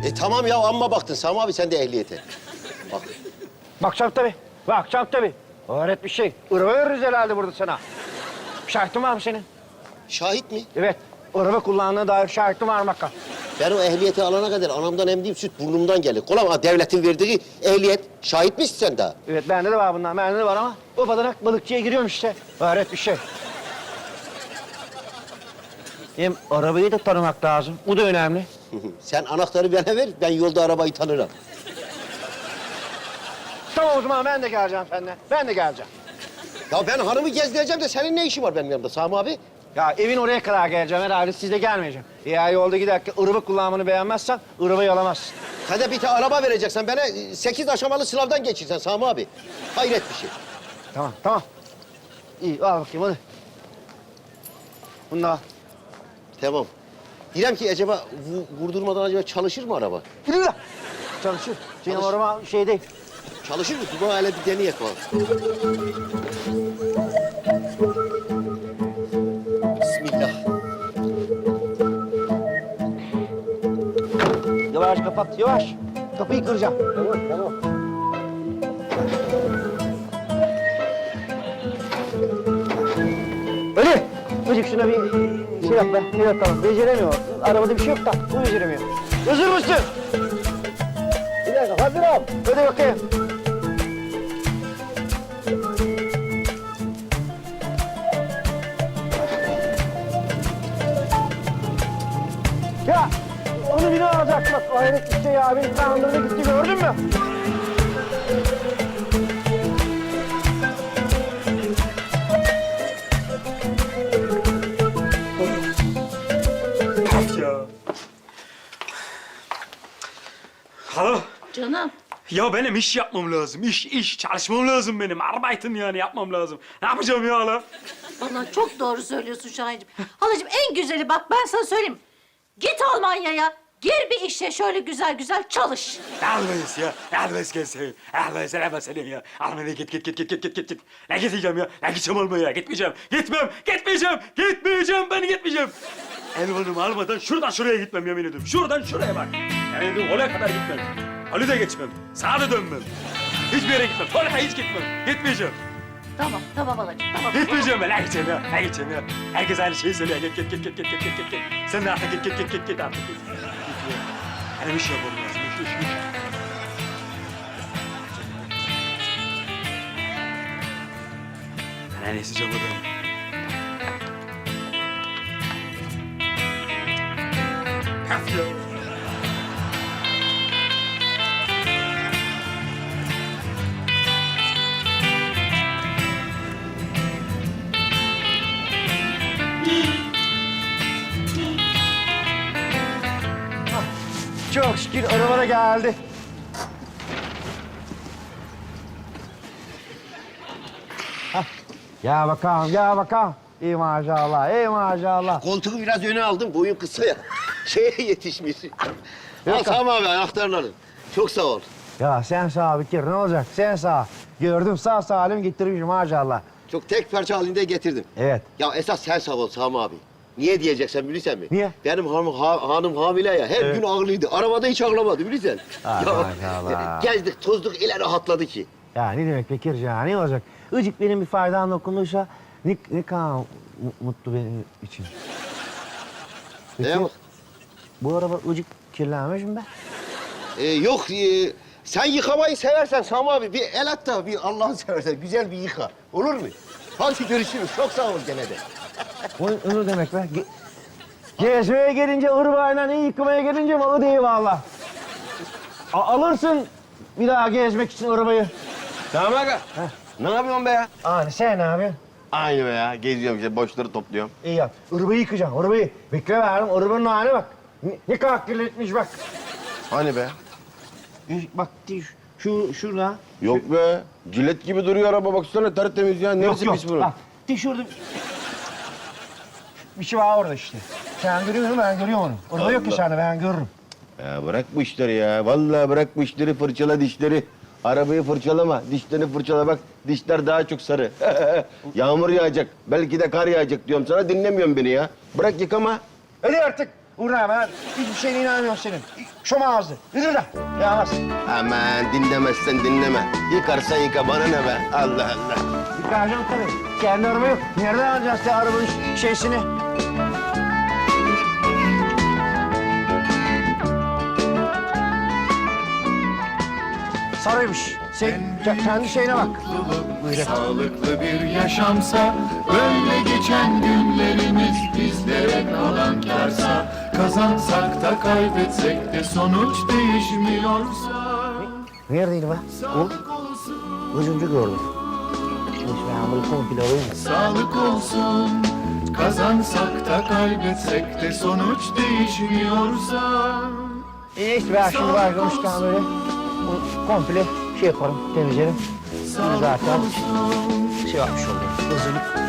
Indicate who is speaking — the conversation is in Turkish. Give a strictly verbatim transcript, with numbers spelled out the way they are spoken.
Speaker 1: E tamam ya, amma baktın Sami abi sen de ehliyete. Bak.
Speaker 2: Bakacağım tabii. Bakacağım tabii. Öğret bir şey. Araba veririz herhalde burada sana. Şahitin var mı senin?
Speaker 1: Şahit mi?
Speaker 2: Evet. Araba kullandığına dair şahitin var mı bakalım?
Speaker 1: Ben o ehliyeti alana kadar anamdan emdiğim süt burnumdan gelir. Kolay devletin verdiği ehliyet. Şahit misin sen daha?
Speaker 2: Evet, bende de var bundan. Bende de var ama o badanak balıkçıya giriyorum işte. Öğret bir şey. Hem arabayı da tanımak lazım. Bu da önemli.
Speaker 1: Sen anahtarı bana ver, ben yolda arabayı tanırım.
Speaker 2: Tamam o zaman ben de geleceğim seninle. Ben de geleceğim.
Speaker 1: Ya ben hanımı gezdireceğim de senin ne işin var benim yanımda Sami abi?
Speaker 2: Ya evin oraya kadar geleceğim herhalde, siz de gelmeyeceğim. Eğer yolda giderken araba kullanmanı beğenmezsen arabayı alamazsın.
Speaker 1: Sen de bir tane araba vereceksen bana sekiz aşamalı sınavdan geçirsen Sami abi. Hayret bir şey.
Speaker 2: Tamam, tamam. İyi, al bakayım hadi. Bunu da al.
Speaker 1: Tamam. Diyeceğim ki acaba vu- vurdurmadan acaba çalışır mı araba?
Speaker 2: Yürü lan. Çalışır. Senin
Speaker 1: Çalış.
Speaker 2: araba şey değil.
Speaker 1: Çalışır mı? Bu hele bir deneyek var. Bismillah.
Speaker 2: Yavaş kapat, yavaş. Kapıyı kıracağım.
Speaker 1: Tamam, tamam.
Speaker 2: Öyle. Çocuk şuna bir şey yap be. Ne yapalım? Beceremiyor. Arabada bir şey yok da bu beceremiyor. Hazır mısın? Bir dakika, hazırım. Hadi bakayım. Ya onu biri alacak bak. O hayret bir şey ya. Beni kandırdı gitti, gördün mü?
Speaker 3: Ya. Alo.
Speaker 4: Canım.
Speaker 3: Ya benim iş yapmam lazım. İş, iş. Çalışmam lazım benim. Arbeiten yani yapmam lazım. Ne yapacağım ya hala?
Speaker 4: Vallahi çok doğru söylüyorsun Şahin'cim. Halacığım en güzeli bak ben sana söyleyeyim. Git Almanya'ya. Gir bir işe şöyle güzel güzel çalış.
Speaker 3: Almayız ya. Almayız gelsin. Almayız selam senin ya. Almanya'ya git git git git git git git git. Ne gideceğim ya? Ne gideceğim Almanya'ya? Gitmeyeceğim. Gitmem. Gitmeyeceğim. Gitmeyeceğim. Ben gitmeyeceğim. Elvanımı almadan şuradan şuraya gitmem yemin ediyorum. Şuradan şuraya bak. Yemin ediyorum oraya kadar gitmem. Halı da geçmem. Sağa da dönmem. Hiçbir yere gitmem. Oraya hiç gitmem. Gitmeyeceğim.
Speaker 4: Tamam tamam halacığım tamam.
Speaker 3: Gitmeyeceğim ben. Ne gideceğim ya? Ne gideceğim ya? Herkes aynı şeyi söylüyor. Git git git git git git git git git. Sen de artık git git git git git artık. Git. Git ya. Benim iş yapmam lazım. İş iş iş. Ben en iyisi camı dönüyorum. Kaf ya.
Speaker 2: Çok şükür araba da geldi. Hah. Gel bakalım, gel bakalım. İyi maşallah, iyi maşallah.
Speaker 1: Koltuğu biraz öne aldım, boyun kısa ya. Şeye yetişmiş. Al Sami abi anahtarları. Çok sağ ol.
Speaker 2: Ya sen sağ bir kere ne olacak? Sen sağ. Gördüm sağ salim getirmişim maşallah.
Speaker 1: Çok tek parça halinde getirdim.
Speaker 2: Evet.
Speaker 1: Ya esas sen sağ ol Sami abi. Niye diyeceksen bilirsen mi?
Speaker 2: Niye?
Speaker 1: Benim hanım, ha, hanım hamile ya. Her
Speaker 2: Evet.
Speaker 1: gün ağlıydı. Arabada hiç ağlamadı bilirsen.
Speaker 2: Ha,
Speaker 1: ya,
Speaker 2: maşallah.
Speaker 1: gezdik, tozduk, ile rahatladı ki.
Speaker 2: Ya ne demek Bekir ya, ne olacak? Icık benim bir faydam dokunduysa ne, ne kadar mu- mutlu benim için. Peki,
Speaker 1: Ne bak?
Speaker 2: bu araba ıcık kirlenmiş mi be?
Speaker 1: Ee, yok, e, sen yıkamayı seversen Sami abi bir el at da bir Allah'ını seversen güzel bir yıka. Olur mu? Hadi görüşürüz. Çok sağ ol gene de.
Speaker 2: O ne demek be? Ge gezmeye gelince ırbayla, iyi yıkamaya gelince malı değil valla. A alırsın bir daha gezmek için arabayı.
Speaker 5: Tamam aga. Ne yapıyorsun be ya?
Speaker 2: Abi sen ne yapıyorsun?
Speaker 5: Aynı be ya. Geziyorum işte boşları topluyorum.
Speaker 2: İyi yap. Arabayı yıkayacağım, arabayı. Bekle verdim, arabanın haline bak. Ne, ne kadar kirletmiş bak.
Speaker 5: Hani be?
Speaker 2: Bak şu, şurada.
Speaker 5: Yok be. Cilet gibi duruyor araba baksana tertemiz ya. Neresi pis bunun?
Speaker 2: Bak, de şurada bir şey var orada işte. Sen görüyor musun? Ben görüyorum onu. Orada yok ki sende, ben görürüm.
Speaker 5: Ya bırak bu işleri ya. Vallahi bırak bu işleri, fırçala dişleri. Arabayı fırçalama, dişlerini fırçala bak. Dişler daha çok sarı. Yağmur yağacak, belki de kar yağacak diyorum sana. Dinlemiyorsun beni ya. Bırak yıkama.
Speaker 2: Hadi artık. Uğra ben hiçbir şeyine inanmıyorum senin. Şom ağzı. Yürü de. Yağmaz.
Speaker 5: Aman dinlemezsen dinleme. Yıkarsan yıka bana ne be? Allah Allah.
Speaker 2: Yıkayacağım tabii. Kendi araba yok. Nereden alacağız ya arabanın ş- şeysini? Sarıymış. Sen ke- kendi şeyine bak.
Speaker 6: Sağlıklı bir yaşamsa, böyle geçen günlerimiz bizlere kalan kârsa, kazansak da kaybetsek de sonuç değişmiyorsa.
Speaker 2: Neredeydi be? O gözümce gördüm. Neyse ben bunu komple alayım.
Speaker 6: Sağlık olsun, kazansak da kaybetsek de sonuç değişmiyorsa.
Speaker 2: E neyse ben şimdi başlamışken böyle bunu komple şey yaparım, temizlerim. Zaten şey yapmış oluyor. Hazırlık